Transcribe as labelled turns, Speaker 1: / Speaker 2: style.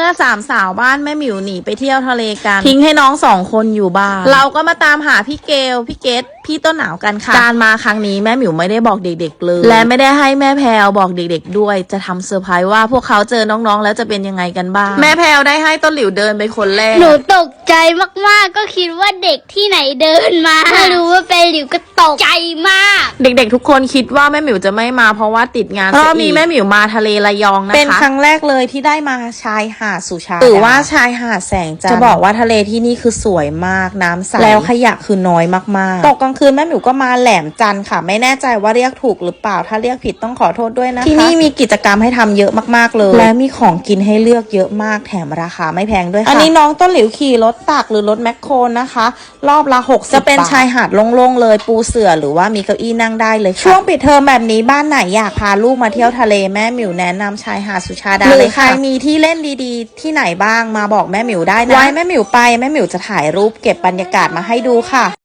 Speaker 1: สามสาวบ้านแม่หมิวหนีไปเที่ยวทะเลกันทิ้งให้น้อง2 คนอยู่บ้านเราก็มาตามหาพี่เกลพี่เกดพี่ต้นหนาวกันค่ะการมาครั้งนี้แม่หมิวไม่ได้บอกเด็กๆเลยและไม่ได้ให้แม่แพรวบอกเด็กๆด้วยจะทำเซอร์ไพรส์ว่าพวกเขาเจอน้องๆแล้วจะเป็นยังไงกันบ้างแม่แพรวได้ให้ต้นหลิวเดินไปคนแรก
Speaker 2: หนูตกใจมากๆก็คิดว่าเด็กที่ไหนเดินมาไม่รู้ว่าเป็นหลิวก็ตกใจมาก
Speaker 1: เด็กๆทุกคนคิดว่าแม่หมิวจะไม่มาเพราะว่าติดงานรอบนี้แม่หมิวมาทะเลระยองนะคะเป็นครั้งแรกเลยที่ได้มาชายหาดสุชาดาหรือว่าชายหาดแสงจันทร์จะบอกว่าทะเลที่นี่คือสวยมากน้ำใสแล้วขยะคือน้อยมากๆตกกลางคืนแม่หมิวก็มาแหลมจันทร์ค่ะไม่แน่ใจว่าเรียกถูกหรือเปล่าถ้าเรียกผิดต้องขอโทษด้วยนะคะที่นี่มีกิจกรรมให้ทำเยอะมากๆเลยและมีของกินให้เลือกเยอะมากแถมราคาไม่แพงด้วยค่ะอันนี้น้องต้นหลิวขี่รถตักหรือรถแมคโครนะคะรอบละ60จะเป็นชายหาดโล่งๆเลยปูเสื่อหรือว่ามีเก้าอี้นั่งได้เลยช่วงปิดเทอมแบบนี้บ้านไหนอยากพาลูกมาเที่ยวทะเลแม่หมิวแนะนำชายหาดสุชาดาเลยค่ะใครมีที่เล่นดีๆที่ไหนบ้างมาบอกแม่หมิวได้นะไว้แม่หมิวไปแม่หมิวจะถ่ายรูปเก็บบรรยากาศมาให้ดูค่ะ